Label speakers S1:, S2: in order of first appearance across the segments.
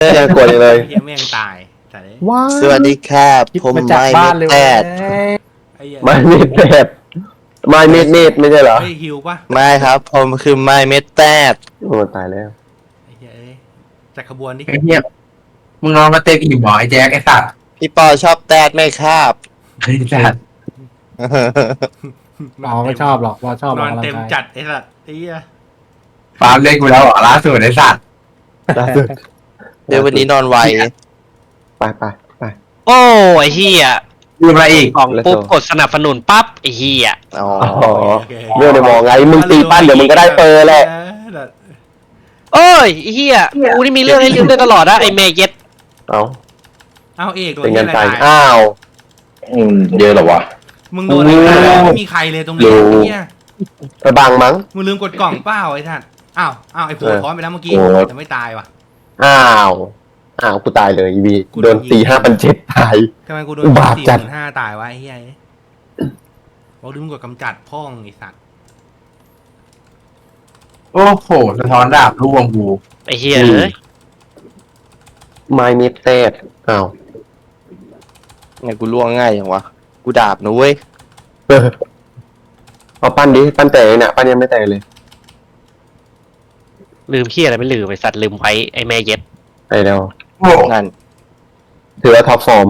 S1: ยังกดอยู่เลย
S2: เฮียแม่งตายแต่เลย
S3: ว้า
S4: สวัสดีครับ
S3: คิด
S4: ผม
S3: มาจาก
S4: ไม่
S3: บ้านเลย
S4: แป
S3: เว้ย
S4: ด
S2: ไอ้เหี้ย
S1: ไม่เม็ดแปดไม่เม็ดเม็ดไม่ใช่เหรอ
S2: เฮ้ยฮิวปะ
S4: ไม่ครับ ผมคือไม่เม็ดแปด
S1: โอ้ตายแล้ว
S2: ไอ้เหี้ยเอ้ยจัดขบวนดิ
S5: ไอ้เหี้ยมึงนอนมาเต็มอิ่มหมอไอ้แจ็คไอ้สัตว์
S4: พี่ปอชอบแตดไหมครับ
S5: ไอ้สัตว์
S3: หมอไม่ชอบหรอกว่าชอบ
S2: น
S3: อ
S2: อ
S3: อก
S2: น
S3: กำลัง
S2: เต็ม
S3: กาย
S2: จัดไอ้สัตว์ไอ้เหี้ย
S5: ปาล์มเล่นกูแล้วเหรอล่าสุดไอ้สัตว์
S1: ล่าสุด
S4: เดี๋ยววันนี้นอนไว
S1: ไปไปไป
S6: โอ้ไอ้เฮีย
S5: ดูอะไรอีก
S6: กล่อง
S1: แล้ว
S6: ปุ๊บ
S1: โซ่
S6: กดสนับสนุนปั๊บไอ้เฮีย
S4: อ๋อ
S1: อ๋อเรื่องในมองไงมึงตีปั้นเดี๋ยวมึงก็ได้เปอร์แหละ
S6: โอ้ยไอ้เฮียกูนี่มีเรื่องให้ลืมได้ตลอดนะไอ้เมย์เย็ด
S1: เอา
S2: เอาเอกโดน
S1: เป็น
S2: เหี้
S1: เงิ
S2: ย
S1: น
S2: อะไร
S1: ใจ
S2: ตาย
S1: อ้าว
S7: เยอะเหรอวะ
S2: มึงโดนอะไรตายไม่มีใครเลยตรงนี้ไอ้เหี้ย
S1: ไปบังมั้ง
S2: มึงลืมกดกล่องเปล่าไอ้ท่านอ้าวไอ้โผล่ท้อนไปแล้วเมื่อกี้แต่ไม่ตายว่ะ
S1: อ้าวอ้าวกูตายเลยอีวี
S2: กูโด
S1: โด
S2: น
S1: น
S2: ยิง
S1: ตี5,700ตาย
S2: ทำไมกูโดน
S1: อุบาทจัด
S2: 45,000ตายวะไอ้เหี้ยบอกลืมกดกำจัดพ่องไอ้สัตว์
S5: โอ้โหสะท้อนดาบร่วงกู
S6: ไอ้เฮียเอ้ย
S1: ไม่เม็ดแตดอ้าว
S4: ไงกูล่วงง่ายอย่างวะ กูดาบนะเว้ย
S1: เออเอาปั้นดิปั้นแตกเนี่ยปั้นยังไม่แตกเลย
S6: ลืมเฮียอะไรไม่ลืมไอ้สัตว์ลืมไว้ไอ้เมย์เย็ด
S1: ไปแล้ว
S5: โอ้โห
S4: นั่น
S1: ถือว่าท็อปฟอร์ม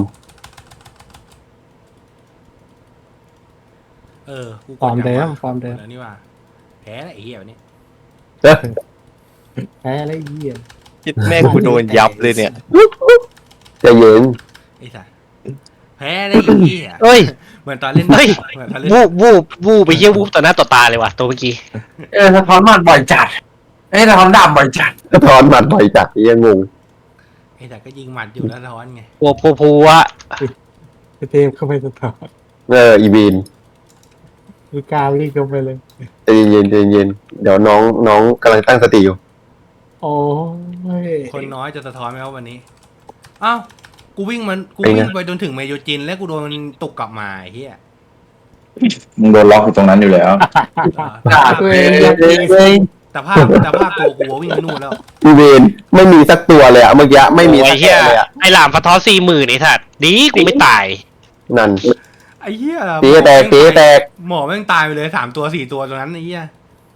S2: กู
S3: ฟอร์มเดิมฟอร์มเดิม
S2: แล้วนี่ว่าแพ้แล้วไอ้เหี้ยวันนี้
S1: เด้อ
S3: แพ้แล้วไอ้เหี้ย
S4: คิดแม่งกูโดนยับเลยเนี่ย
S1: ใจะเย็น
S2: ไอ้สัตว์แพ้แล้วไอ้เหี้ย
S6: เอ้ย
S2: เหมือนตอนเล่น
S6: เฮ้ย
S2: เหมือนตอนเล่น
S6: วูบไปเฮียวูบต่อหน้าต่อตาเลยว่ะตัวเมื่อกี้
S5: สะท้อนมันบ่อยจัดไอ้สะท้อนดาบบ่อยจัด
S1: สะท้อนหมัดบ่อยจัดยังงง
S2: ไอ้สัตว์ก็ยิงหมัดอยู่แล้วร้อนไง
S6: พัวอะ
S3: เทมเข้าไปสะท้อน
S1: อีวีน
S3: คือกล้าวิ่งเข้าไปเลย
S1: ใจเย็นใจเย็นเดี๋ยวน้องกำลังตั้งสติอยู่
S3: โอ้ย
S2: คนน้อยจะสะท้อนไหมว่าวันนี้อ้าวกูวิ่งไปจนถึงเมโยจิน แล้วกูโดนมันตกกลับมาไอ้เหี้ย
S7: มึงโดนล็อกอยู่ตรงนั้นอยู่แล้ว
S5: ดาบเลย
S2: แต่ภาพตัวกูวิ่งไปนู่นแล้ว
S1: อีวีนไม่มีสักตัวเลยอะเมื่อกี้ไม่มี
S6: ไอ้
S1: สัก
S6: เฮี
S1: ตัวย เลยอะ
S6: ไอ้หลามฟะท้อ40,000ไอ้สัตว์ดีกูไม่ตาย
S1: นั่น
S2: ไอ้เหี้ย
S1: ตีให้แตกตีให้แตก
S2: หมอแม่งตายไปเลย3 ตัว 4 ตัวตรงนั้นไอ้เหี้ย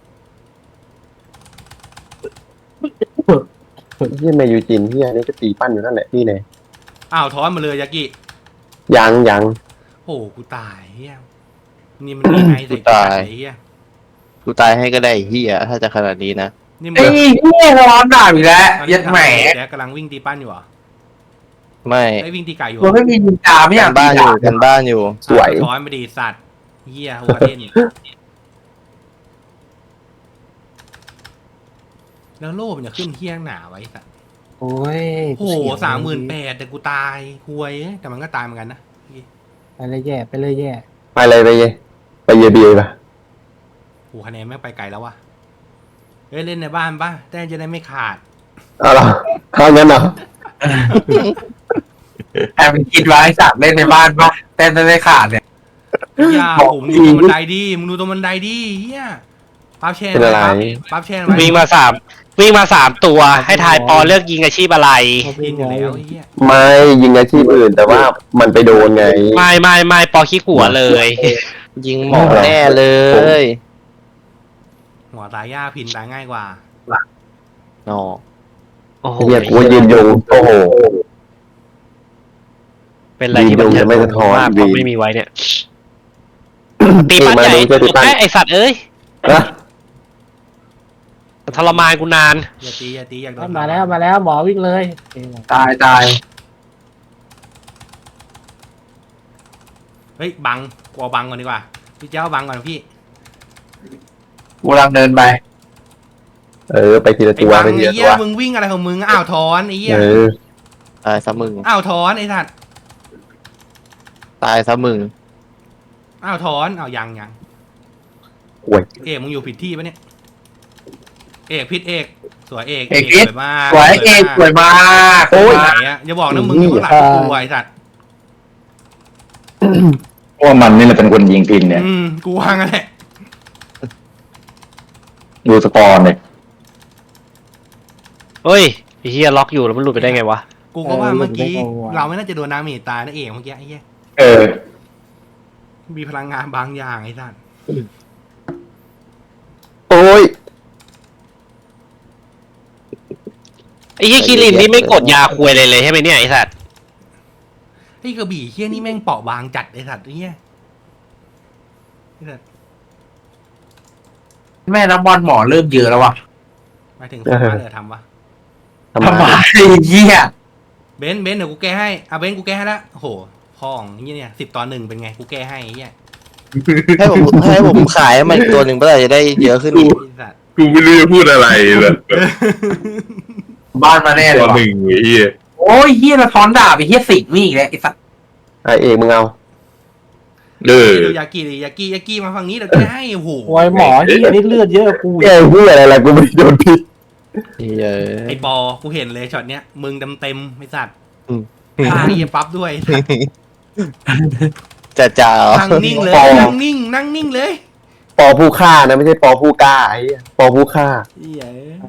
S1: ที่เมยูจินที่อันนี้ก็ตีปั้นอยู่นั่นแหละพี่เนี่ย
S2: อ้าวท้อนมาเลยยากิ
S1: ยัง
S2: โอ้กูตายเหี้ยนี่มันมีไงใส่ไอ้เหี้ย
S4: กูตายให้ก็ได้ไอ้เฮียถ้าจะขนาดนี้นะ
S2: นี่มึ
S5: ไอ้เหี้ยสะท้อนดาบอีกแล้วยัดแหม
S2: แจ๊กกำลังวิ่งตีปั้นอยู่เหรอ
S4: ไม่
S2: ไอ้วิ่งตีไก่อยู่
S5: กูไม่มีนินจาไม่อยาก
S4: กันบ้านอยู่กันบ้านอยู่
S1: สวย
S2: ท้อนไปดีสัตว์เหี้ยหัวเล่นแล้วโล่มันจะขึ้นเฮี้ยงหนาไว้สัตว์
S3: โอ้ย
S2: โอ้โห38,000แต่กูตายหวยแต่มันก็ตายเหมือนกันนะ
S3: ไปเลยแย่ไปเลยแย่
S1: ไปเลยไปเยบีป่ะ
S2: โอ้คะแนนแม่งไปไกลแล้ววะเฮ้ยเล่นในบ้านป่ะแต้มจะได้ไม่ขาด
S1: เอาล่ะเอางั้นเหรอ
S5: แอบคิดไว้สัตว์เล่นในบ้านปะเต้นได้ขาดเนี่ย
S2: อย่าผมดูตรงบันไดดิมึงดูตรงบันไดดิเฮียปั๊บแช่
S1: เป็นอะไร
S2: ปั๊บแช่ไว้
S6: วิ่งมาสามตัวให้ทายปอเลือกยิงอาชีพอะไร
S2: ยิงอยู่แล้วไอ้เฮีย
S1: ไม่ยิงอาชีพอื่น แต่ว่ามันไปโดนไง
S6: ไม่ปอขี้หัวเลย
S4: ยิงหมอแน่เลย
S2: หัวตายยากพินตายง่ายกว่า
S4: อ๋อ
S6: โอ้โห
S1: เฮียกูยืนยงโอ้โห
S6: เป็นอะไรที่มัน
S1: ยืนยงจะไม่สะท้อน
S6: มากเพ
S1: วี
S6: ราะไม่มีไว้เนี่ยตีปั้นใหญ่
S1: มาดูจะตีปั้น
S6: ไอสัตว์เอ้ย
S1: นะ
S6: ทรมานกูนาน
S2: อย่าตีอยากโดน
S3: มาแล้วหมอวิ่งเลย
S5: ตาย
S2: เฮ้ยบังกลัวบังก่อนดีกว่าพี่เจ้าบังก่อนพี่
S5: กูกำลังเดินไป
S1: ไปทีละ
S2: ไอ้
S1: ตัว
S2: บัง
S1: ไปที
S2: ไอ้
S1: ละ
S2: เหี้
S1: ตั
S2: ยว มึงวิ่งอะไรของมึงอ้าวถอนไอ้เหี้ย
S4: ตายซะมึง
S2: อ้าวถอนไอ้สัตว์
S4: ตายซะมึง
S2: อ้าวถอนอ้าวยัง
S1: โอ้ย
S2: เอกมึงอยู่ผิดที่ปะเนี่ยเอกผิดเอกสวยเอก
S5: เอกพิษ
S2: สวยมาก
S5: สวยเอกสวยมาก
S2: โอ้ยไหนอะอย่าบอกนะมึงอยู่ข้างหลังกูไอ้สัตว์
S7: เพราะว่ามันนี่แหละเป็นคนยิงพินเนี่ย
S2: กูวางกันแหละ
S7: ดูสกอร์เนี่ย
S6: เฮ้ยอ้เหี้ยล็อกอยู่แล้วมันหลุดไปได้ไงวะ
S2: กูก็ว่าเมื่อกี้เราไม่น่าจะโดนน้ำเมจตายนะเอกเมื่อกี้ไอ้เหี้ย
S7: เออ
S2: มีพลังงานบางอย่างไอ้สัส
S1: โอ้ย
S6: ไอ้เหี้ยคิรินนี่ไม่กดยาควยเลยใช่ไหมเนี่ยไอ้สัตว์
S2: ไอ้กระบี่เหี้ยนี่แม่งเปราะบางจัดไอ้สัสไอ้เหี้ยไอ้สัส
S5: แม่น้ำบอลหมอเริ่มเยอะแล้ววะ
S2: หมายถึงสามารถเหลือทำวะ
S1: ทำไม
S5: ทำไมเหี้ย
S2: เบนซ์เดี๋ยวกูแก้ให้เบนซ์กูแก้ให้ละโอ้โหพ่องเงี้ยเนี่ย10-1เป็นไงกูแก้ให้ไอ้เหี้ย
S4: ให้ผมขายมันอีกตัวหนึ่งเพื่อจะได้เยอะขึ้นอีก
S2: ไอ้สัส
S8: กูไม่รู้จะพูดอะไรเลย
S5: บ้านมาแน่เล
S8: ตั
S5: ยว วะ
S8: หนึ่งไอ้เหี้ย
S5: โอ้ยเหี้ยละท้อนดาบไอ้เหี้ยสิงนี่อีกแล้วไอ้สัส
S1: ไอเอกมึงเอา
S8: เออ
S2: ดูยากิดิยากิมาฝั่งนี้เดี๋ยวแก้ให้โอ้โห
S3: โอ้ยหมอที่นี่เลือดเยอะกว่ากู
S1: แกพูดอะไรล่ะกูไม่โดนพิษ
S4: เยอะ
S2: ไอปอกูเห็นเลยช็อตเนี้ยมึงเต็มไอ้สัตว์
S4: อืม
S2: ตาเหี้ยปั๊บด้วย
S4: จ่า
S2: นั่งนิ่งเลยนั่งนิ่งเลย
S1: ปอผู้ฆ่านะไม่ใช่ปอผู้กล้าไอ้เหี้ยปอผู้ฆ่า
S2: เหี้ย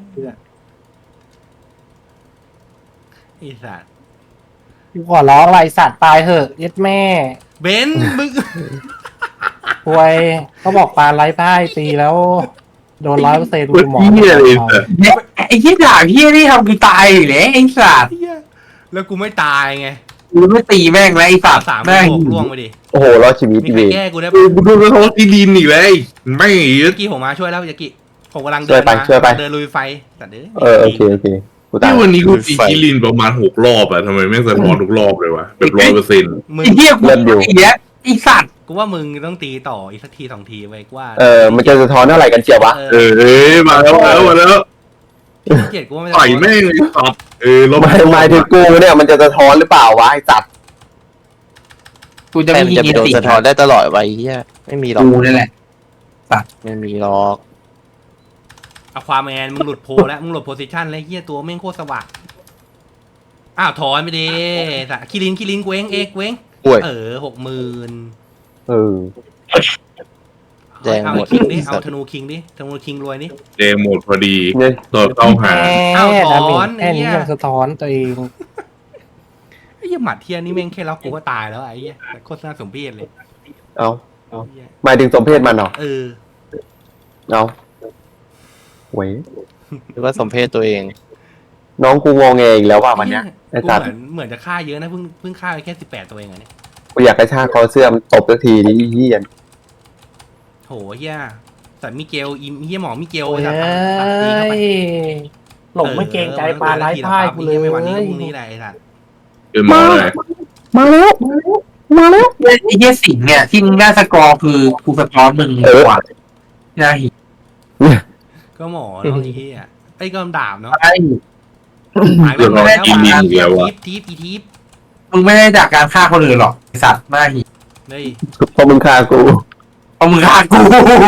S2: ไอ้สัตว์
S3: กูขอร้องอะไรสัตว์ตายเหอะเย็ดแม่
S2: เบนซ์มึง
S3: ป่วยเขาบอกปลาไร้พ่ายตีแล้ว โดน100%คุณหมอ
S8: เหี้ยเลยแต่
S5: เนี่ยไอ้เหี้ยดาบเหี้ยนี่ทำกูตายอยู่แล้วไอ้สัส
S2: เหี้ยแล้วกูไม่ตายไง
S5: กูไม่ตีแม่งแล้วไอ้สัส
S2: 3
S5: แม่ง
S2: 6ล่วงไปดิ
S1: โอ้โหรอดชีวิต
S2: มี
S1: ดี
S2: ใครแก้กูได้
S8: กู
S2: ปะ
S8: กูโดนเขาตีดินอีกแล้วไม่
S2: ยากิผมมาช่วยแล้วยากิผมกำลัง
S1: ช่วยไปช่วยไป
S2: เดินลุยไฟแต่เด้
S1: โอเคกูตาย
S8: ที่วันนี้กูตีกิลินประมาณ6 รอบอะทำไมแม่งสะท้อนทุกรอบเลยวะแบบ100%
S2: มึง
S5: ไอ้เหี้ยกูไอ้เหี้ยไอ้สัส
S2: กูว่ามึงต้องตีต่ออีกสักที2 ทีไว้กูว่า
S1: มันจะสะท้อนเท่าไหร่กันเจียววะ
S8: เออมาแล้ว
S2: เจ็ดกูว่าไม่
S8: ต่อยแม่งเลยตับลบ
S1: หมายถึงกูเนี่ยมันจะสะท้อนหรือเปล่าวะไอ้สัตว์
S5: กูจะ
S4: แต่
S5: ไม่
S4: มัน
S5: ยิ
S4: จะ
S5: ง
S4: ไปโดน
S5: ติ
S4: สะท้อนได้ตลอดไว้เหี้ยไม่มีหรอก
S5: กูนี่แหละ
S4: ไม่มีหรอก
S2: เอาความแมนมึงหลุดโพแล้วมึงหลุดโพซิชันแล้วเฮียตัวแม่งโคตรสว่างอ้าวถอนไปดิสะคิรินกูเองเว้ง
S4: ป่วย
S2: 60,000
S1: เออ
S4: แดง
S2: เอา
S4: หมด
S2: คิงดิเอาธนูคิงดิธนูคิงรวยนี่
S8: เดหมดพอดี
S1: เนี่ย
S8: ตัวเข้าหา
S2: อ้าวถ
S3: ดา
S2: อน
S3: เมจแค่นี้
S2: ไอ้เหี้ย
S3: ยังสะท้อนตัวเอง
S2: ไอ้เหี้ยหมัดเทียนนี่แม่งแค่ล็อกกูก็ตายแล้วไอ้เหี้ยแต่โคตรน่าสมเพชเลย
S1: เอา
S2: ไอ้เหี้ย
S1: หมายถึงสมเพศมันเหรอ
S2: เออ
S1: เอาเว้ย
S4: หรือว่าสมเพศตัวเอง
S1: น้องกูงงเงอีกแล้วว่าวันเนี้ยไอ้
S2: กู
S1: สัตว์
S2: เหมือนจะฆ่าเยอะนะเพิ่งฆ่าไปแค่18 ตัวเองอะเนี่ย
S1: กูอยากกระชากคอเสื้อมันตบสักทีดิเฮีย
S2: โหเหี้ยแต่มิเกลอิมเหี้ยหมอมิเกล
S3: โอ้ย
S2: สัตว์ตัดตีเข้าไป
S3: หลงไม่เกรงใจปลาไร้พ่ายกูเลย
S2: ไม่วันนี้พรุ่งนี้แหละไอ้สัตว์
S8: มาเลย
S1: มาแล้วมาแล้ว
S5: ไอ้เหี้ยสิงเนี่ยที่มึงได้สกอร์คือกูสะท้อนมึงกว่าน่าหิ
S2: ก็หมอเนาะไอ้เหี้ยไอ้ก็ดาบเนาะ
S5: ไอ้
S2: หายไปแล้วทีป
S5: มึงไม่ได้จากการฆ่าคนอื่นหรอกไอ้สัตว์น่าหิ
S2: เฮ้ย
S1: พอมึงฆ่ากู
S5: เอามึงฆ่ากู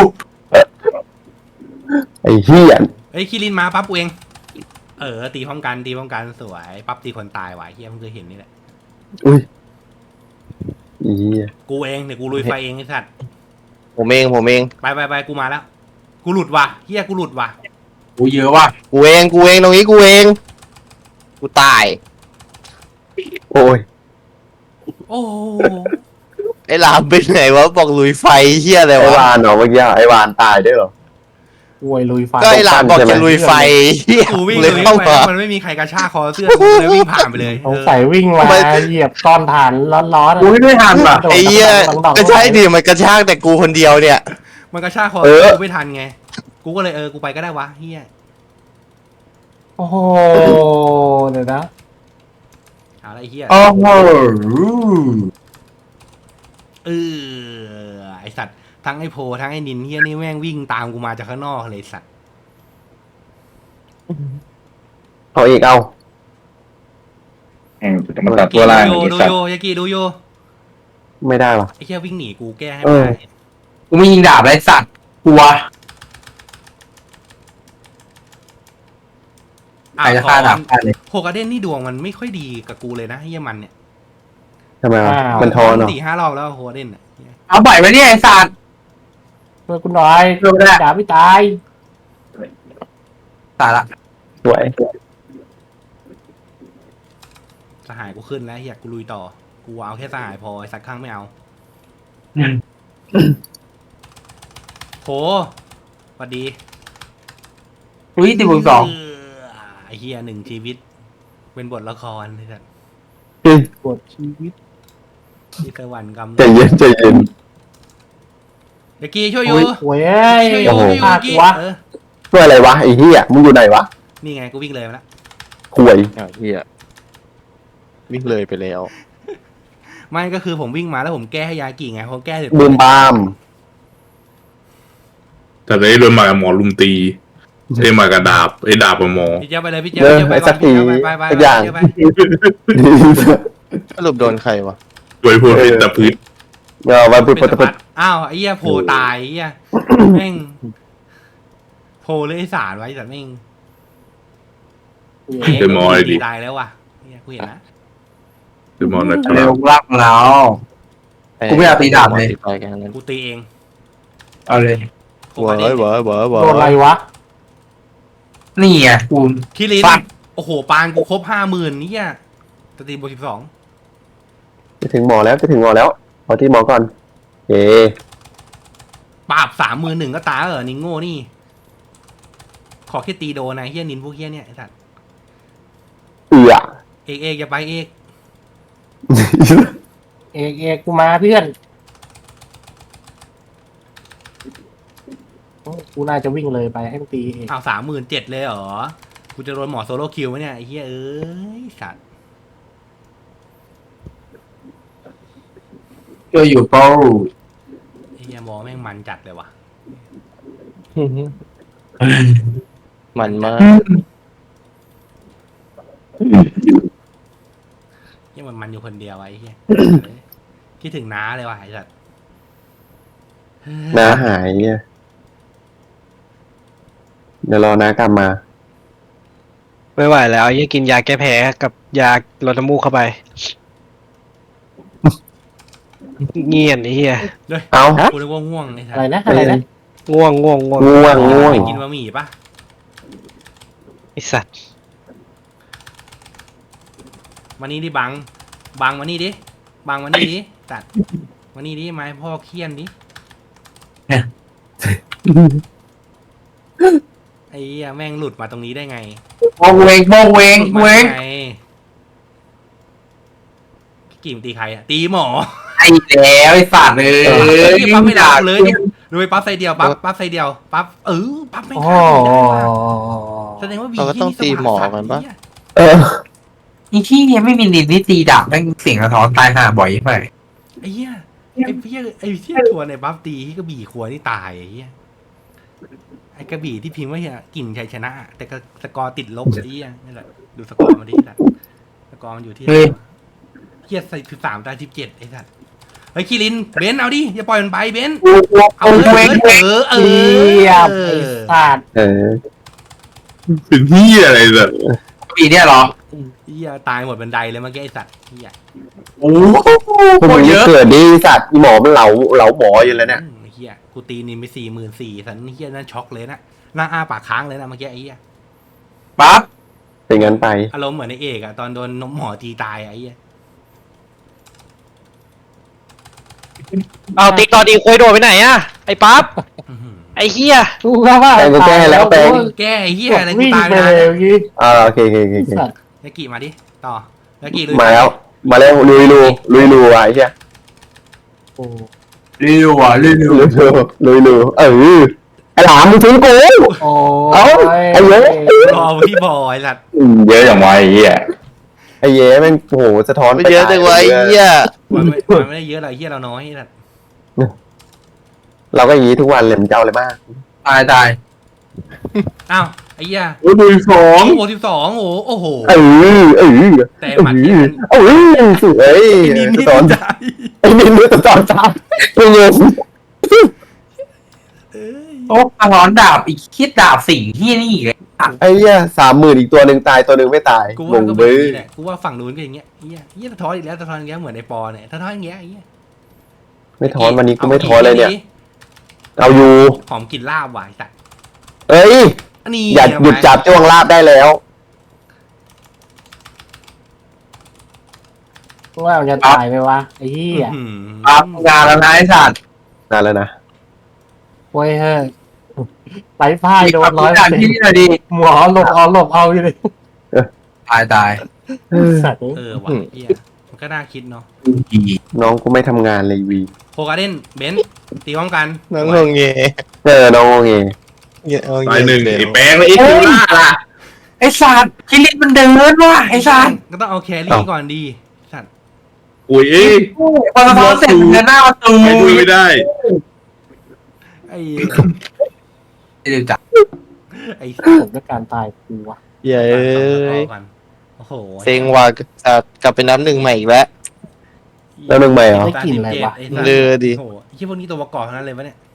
S1: ไอ้เฮีย
S2: เฮ้ยคิรินมาปั๊บกูเองตีพร้อมกันสวยปั๊บตีคนตายว่ะเหี้ยเพิ่งเคยเห็นนี่แหละ
S1: อุ้ยเฮีย
S2: กูเองเดี๋ยวกูลุยไฟเองไอ้สัตว์
S4: ผมเอง
S2: ไปกูมาแล้วกูหลุดว่ะเหี้ยกูหลุดว่ะ
S5: กูเยอะว่ะ
S4: กูเองตรงนี้กูเองกูตาย
S1: โอ้ย
S2: โอ้
S4: ไอ้หลามเป็นไหนวะบอกลุยไฟเหี้ยอะไร
S1: ไอ้
S4: วะ
S1: วานเหรอเมื่อกี้ไอ้วานตายด้วยเหรอ
S3: ป่วยลุยไฟ
S4: ก็ไอ้หลามบอกจะลุยไฟเหี้ย
S2: กูวิ่ง
S4: เลย
S2: ไป
S4: เข้ามา
S2: มันไม่มีใครกระชากคอเสื้อกูเลยวิ่งผ่านไปเลย
S3: สงสัยวิ่งมาเหยียบก้อนฐานร้อนๆ
S5: กูไม่ทันว่ะ
S4: ไอ้เหี้ยก็ใช่ดิมันกระชากแต่กูคนเดียวเนี่ย
S2: มันกระชากคอเสื้อกูไม่ทันไงกูก็เลยกูไปก็ได้วะเหี้ย
S3: โอ้โหเดี๋ยวนะ
S2: เอาละไอ้เหี้ย
S5: โอ้โห
S2: ไอสัตว์ทั้งไอโพทั้งไอนินเฮียนี่แม่งวิ่งตามกูมาจากข้างนอกเลยสัตว์
S1: เอาอีกเอา
S7: มันตัดตัวล่าง
S2: ดู
S7: ไอ้
S2: โย
S7: สัต
S2: ดู
S7: ว์
S2: โยยากิดูโย
S1: ไม่ได้วะ
S2: ไอเฮียวิ่งหนีกูแก้ให้ไม่ได้
S5: กูไม่ยิงดาบไรสัตว์กลัวใครจะฆ่าดาบฆ่าเลย
S2: โฮกาเด้นนี่ดวงมันไม่ค่อยดีกับกูเลยนะเฮียมันเนี่ย
S1: ทำไมวะมันทอนเหรอ
S2: 4-5 รอบแล้วโฮกาเด้นอ่ะ
S5: เอาบ่อยไหมเนี่ยไอ้สัตว์
S3: ช่วยคุณหน่อย
S5: ช่วยไม่ได้
S3: ด่าไม่ตาย
S5: ตายละ
S1: สวย
S2: สหายกูขึ้นแล้วเฮียกูลุยต่อกูเอาแค่สหายพอไอ้สักครั้งไม่เอา
S5: อืม
S2: โหสวัสดี
S5: อุ้ย10 บวก 2
S2: ไอ้เฮียหนึ่งชีวิต เป็นบทละครนี่ครับ
S3: ปวดชีวิต
S2: ที่สวรรค์กำ
S1: ใจเย็นใจเย็น
S2: เด็กกี้ช่วยอยู่
S3: โอ้ย
S2: ช่วยอยู่
S1: โอ้โห
S2: ช่วยอยู่
S3: พลา
S2: เด็
S3: ด
S2: กกี้
S3: วะ
S1: ช่วยอะไรวะไอ้เหี้ยมึงอยู่ไหนวะ
S2: นี่ไงกูวิ่งเลยมาแล้ว
S1: ห่วย
S4: อ้าวเฮียวิ่งเลยไปแล้ว
S2: ไม่ก็คือผมวิ่งมาแล้วผมแก้ให้ยากิไงพอแก้เสร็จ
S1: บูมบาม
S8: แต่ได้โดนมากับหมอลุมตีไอ้มากับดาบไอ้ดาบกับหมอ
S2: พี่เจ้าไปเลยพี่เจ้า
S1: เริ่ม
S2: ไป
S1: ไอ้
S2: ก่
S1: สั
S2: อน
S1: ก
S2: พี่
S1: ที
S2: เจ้าไปไป
S1: สักอย่าง
S2: ไป
S4: สรุปโดนใครวะ
S8: โดยพวกที่ตะพืช
S1: วันพุธ
S2: เป็น
S1: พุธ
S2: สะพัดอ้าวไอ้เหี้ยโผล่ตายไอ้เหี้ยแม่งโผล่เลยไอ้สารไว้แต่แม่ง
S8: เดมอยดิ
S2: ตายแล้วว่ะเหี้ยกูเห็นนะ
S8: เดมอนนะค
S5: เร็
S8: รั
S5: ว
S8: บ
S5: รักแล้ว กูไม่อยากตีดาบเลย
S4: ไปกันนั้น
S2: กูตีเอง
S5: เอาเลย
S2: กู
S4: เว้
S2: มาย ดิ
S4: เว้ยเว้ยเว้
S3: โดนอะไร
S4: ยว
S3: ะ
S5: นี่ไงกู
S2: คิริน
S5: ปัด
S2: โอ้โหปานกูครบ50,000นี่อ่ะจะตีบวก12
S1: จะถึงหมอแล้วจะถึงหมอแล้วขอที่หมอก่อนเอ
S2: ปราบ31,000ก็ตายเหรอนิงโง่นี่ ขอแค่ตีโดนนะเฮียนินพวกเฮียเนี่ยไอ้สัตว์
S1: เอือ
S2: เอกอย่าไปเอก
S3: เอกกูมาเพื่อนกูน่าจะวิ่งเลยไปให้มันตีเอก
S2: เอา37,000เลยเหรอกูจะโดนหมอโซโล่คิวไหมเนี่ยไอ้เฮียเอ้ยสัตว์
S5: เจออยู่เป้า
S2: ไอ้เฮียหมอแม่งมันจัดเลยว่ะ
S4: มันมาก
S2: เฮียมันอยู่คนเดียวไอ้เฮียคิดถึงน้าเลยว่ะไอ้สัตว์
S1: น้าหายเนี่ยเดี๋ยวรอน้ากลับมา
S6: ไม่ไหวแล้วยังกินยาแก้แพ้กับยาลดน้ำมูกเข้าไป เงียนไอ้เหี้ย
S1: เอา
S2: กูนึกว่าง่วงไอ้สัต
S3: อะไร
S2: ว์
S3: นะอะไรนะ
S6: ง่วง
S1: ง่วงง่วง
S2: ไปกินบะหมี่ปะ
S6: ไอสัตว์
S2: มานี่ดิบังมานี่ดิบังมานี่ดิตัดมานี่ดิไม้พ่อเคี่ยนดิไอ้เหี้ยแม่งหลุดมาตรงนี้ได้ไง
S5: โมงเวงโมงเวง
S2: หลุดมา
S5: เวง
S2: ได้ไงกี่มนตีใครอะตีหมอ
S5: ไอ้แล้วไอ้สัตว์เลย
S2: ไอ้ปั๊บไม่ด่ากูเลยดูไปปั๊บใส่เดียวปั๊บใส่เดียวปั๊บปั๊บไม่
S3: โอ้
S2: ฆ่ากูได้ว่ะแสดงว่าวี
S4: เราก็ต้องตีหมอกันปะ
S1: เออ
S5: ไอ้ที่เนี่ยไม่มีนินที่ตีดาบแม่งเสียงสะท้อนตายห่าบ่อยไป
S2: ไอ้เหี้ยไอ้เหี้ยทัวร์ในบัฟตีที่กระบี่ขวนี่ตายไอ้เหี้ยไอ้กระบี่ที่พิมพ์ว่าเหี้ยกลิ่นชัยชนะ แต่ก็สกอร์ติดลบไอ้เหี้ยนี่แหละดูสกอร์มันดิสัตว์สกอร์มันอยู่ที่เหี้ยใส่13 ตาย 17ไอ้สัตว์เฮ้ยคิรินเบนซ์เอาดิอย่าปล่อยมันไปเบนซ์เอาเลย
S3: เทียบไอ้สัตว์
S1: เออ
S8: เป็นที่อะไรแบบ
S5: ปีเนี่ยเหรอ
S2: เหี้ยตายหมดบันไดเลยเมื่อกี้ไอ้สัตว์เหี้ย
S5: โอ้โห
S1: พวกมึง
S5: เย
S1: นี่
S5: อะ
S1: เกิดดีสัตว์อีหมอมันเหลาหมออยู่แล้วเนี่ย
S2: ไอ้เหี้ยกูตีนินไป44,000สันเหี้ยนั่นช็อกเลยนะหน้าอ้าปากค้างเลยนะเมื่อกี้ไอ้เหี้ย
S5: ปั๊บ
S1: เป็นงั้นไป
S2: อารมณ์เหมือนในเอกอะตอนโดนนมหมอตีตายอะไอ้เหี้ย
S6: เอาติ๊กตอนดีคุยโดดไปไหนอะไอ้ปั๊บ
S2: อื้อหือ
S6: ไอ้เหี้ย
S3: กูก็ว่า
S1: แปลงกูแก้แล้วแปลง
S2: แก้ไอ้เหี้ยอะไรกู
S3: วิ่ง
S2: ตาย
S3: ไป
S2: ไป
S3: เลย
S2: แล้ว
S3: เมื่อกี้
S1: โอเคโอเค
S3: สัตว์
S2: ยากิมาดิต่อยากิลุย
S1: มาแล้วลุยรูไอ้เหี้ย
S3: โอ้
S5: เร็วอ่ะเร็ว
S1: ลุยรูไอ้หลามมึงทิ้งกู
S3: โอ้
S1: เอ้าไอ้เหี้ย
S2: รอพี่บอยสัตว์
S7: เยอะอย่างไวไอ้เหี้ย
S1: ไอ้เย้แม่งโหสะท้อน
S4: ไม่เยอะจังวะไอ้เหี้ย
S2: มันไม่ได้เยอะหรอกไอ้เหี้ยเราน้อยสัตว์
S1: เราก็อย่างนี้ทุกวันเลยมันจะเอาอะไรบ้าง
S5: ตายตาย
S2: อ้าวไอ้เหี้ย
S8: โอ้ยดูสอง
S2: โอ้12โอ้โห
S1: แต่หมัดที่สวย
S2: นิน
S1: สะ
S2: นี่
S1: ท้อน
S2: ใจ
S1: ไอ้นินสะท้อนซ้ำไม่เงิน
S5: โอ้สะท้อนดาบอีกคิดดาบสิ่งที่นี่อีกเลย
S1: ไอ้เหี้ย30,000อีกตัวหนึ่งตายตัวหนึ่งไม่ตาย
S2: กู
S1: ง
S2: ว่าง ก็เป็น
S1: เบ้
S2: อย่างนี้แหละกูว่าฝั่งนู้นก็อย่างเงี้ยเหี้ยสะท้อนอีกแล้วสะท้อนอย่างเงี้ยเหมือนในปอเนี่ยสะท้อนอย่างเงี้ยไอ้เหี้ย
S1: ไม่ท้อนวันนี้กูไม่ท้อนเลยเนี่ย เอาอยู่
S2: หอมกลิ่นลาบว่ะไอ้สัตว์
S1: เอ้ย
S2: นี่
S1: อย่าหยุดจับจ้วงลาบได้แล้ว
S3: ว่าจะตายไปวะไอ้เหี้ย
S2: อื้อหือ
S5: ปั๊บงานแล้วนะไอ้สัตว์
S1: นานแล้วนะ
S3: โว้ยเฮ้ยไร้พ่ายโดนร้อย
S5: จากที่นี่หน่อยดิ
S3: หมอหลบเอาอยู่เลย
S5: ตายตาย
S3: สัตว์
S2: ว่ะเฮียมันก็น่าคิดเนาะ
S1: น้องกูไม่ทำงานเลยวี
S2: โคการ์เด้นเบนซ์ตีพร้อมกัน
S4: น้องงงเง
S1: น้องโอเค
S8: ตายหนึ่งไอ้แป้งแล้วไอ้คิวล่าล่ะ
S5: ไอ้สัตว์คิริมันเดินว่ะไอ้สัตว์
S2: ก็ต้องเอาแครี่ก่อนดีสัตว์
S8: อุ้ยเอ้ย
S5: พอสะท้อนเสร็จเดินหน้าประตู
S8: ไม่ดูไม่ได้
S2: ไอ้
S5: เดี๋ยวจับ
S2: ไอ้
S3: ผมด้วยการตายกูวะ
S4: เย้ย
S2: กันโอ้โห
S4: เซ็งว่ะกลับไปนับหนึ่งใหม่อีกแล้ว
S1: แล้วหนึ่งใหม่เหรอ
S3: ได้กลิ่นอะไรวะ
S2: ไอ้สัตว์
S4: เลือดิ
S2: โอ้โหไอ้ที่พวกนี้ตัวประกอบทั้งนั้นเลยวะเนี่ย